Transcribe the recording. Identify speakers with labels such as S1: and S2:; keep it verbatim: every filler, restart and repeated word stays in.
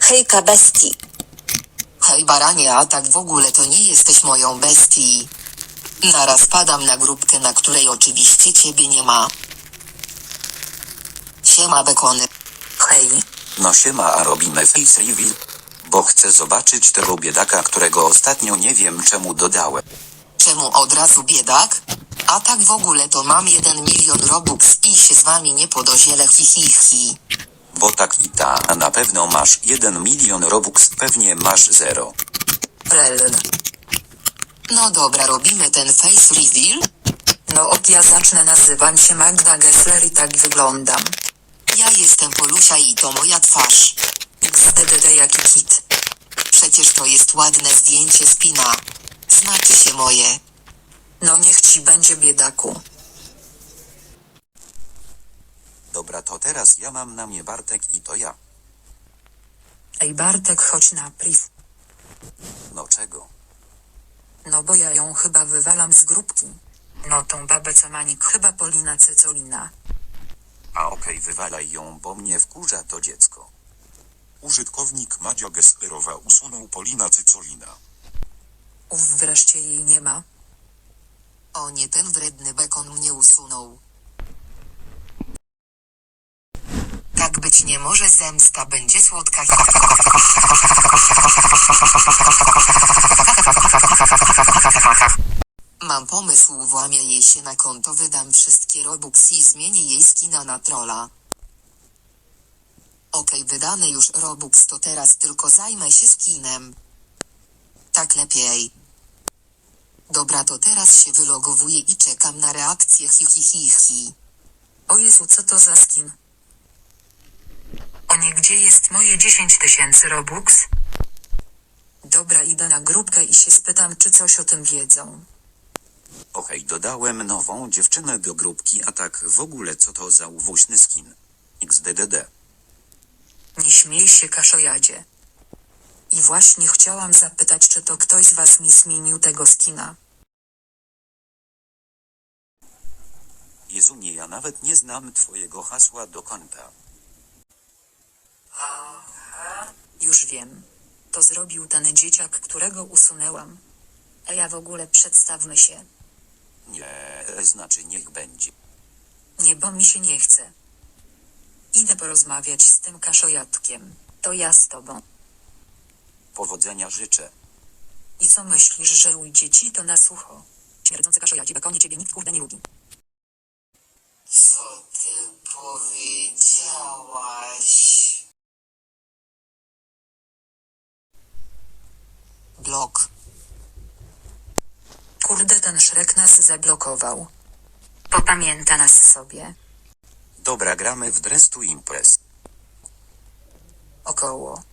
S1: Hejka bestii.
S2: Hej baranie, a tak w ogóle to nie jesteś moją bestii. Naraz padam na grupkę, na której oczywiście ciebie nie ma. Siema bekony.
S1: Hej.
S3: No siema, a robimy face reveal? Bo chcę zobaczyć tego biedaka, którego ostatnio nie wiem czemu dodałem.
S2: Czemu od razu biedak? A tak w ogóle to mam jeden milion robux i się z wami nie podozielę hi hi hi.
S3: Bo tak i ta, a na pewno masz jeden milion robux, pewnie masz zero.
S1: Rel.
S2: No dobra, robimy ten face reveal?
S1: No ok, ja zacznę, nazywam się Magda Gessler i tak wyglądam.
S2: Ja jestem Polusia i to moja twarz.
S1: Xddd jaki kit.
S2: Przecież to jest ładne zdjęcie spina. Znaczy się moje.
S1: No niech ci będzie, biedaku.
S3: Dobra, to teraz ja mam na mnie Bartek i to ja.
S1: Ej Bartek, chodź na priv.
S3: No czego?
S1: No bo ja ją chyba wywalam z grupki. No tą babę co manik, chyba Polina Cycolina.
S3: A okej, wywalaj ją, bo mnie wkurza to dziecko.
S4: Użytkownik Madzia Gesslerowa usunął Polina Cycolina.
S1: Uf, wreszcie jej nie ma.
S2: O nie, ten wredny bekon mnie usunął. Tak być nie może, zemsta będzie słodka. Mam pomysł, włamię jej się na konto, wydam wszystkie robux i zmienię jej skina na trolla. Okej, wydane już robux, to teraz tylko zajmę się skinem. Tak lepiej. Dobra, to teraz się wylogowuję i czekam na reakcję hi hi hi hi.
S1: O Jezu, co to za skin? O nie, gdzie jest moje dziesięć tysięcy robux? Dobra, idę na grupkę i się spytam, czy coś o tym wiedzą.
S3: Okej, dodałem nową dziewczynę do grupki, a tak w ogóle co to za uwoźny skin? Xddd.
S1: Nie śmiej się, kaszojadzie. I właśnie chciałam zapytać, czy to ktoś z was mi zmienił tego skina.
S3: Jezu, nie, ja nawet nie znam twojego hasła do konta.
S1: Już wiem. To zrobił ten dzieciak, którego usunęłam. A ja w ogóle przedstawmy się.
S3: Nie, znaczy niech będzie.
S1: Nie, bo mi się nie chce. Idę porozmawiać z tym kaszojatkiem. To ja z tobą.
S3: Powodzenia życzę.
S1: I co myślisz, że ujdzie ci to na sucho? Śmierdzący kaszojaci, bekonie, ciebie nikt kurde nie lubi.
S2: Co ty powiedziałaś? Blok.
S1: Kurde, ten Szrek nas zablokował. Popamięta nas sobie.
S3: Dobra, gramy w Dress to Impress.
S1: Około.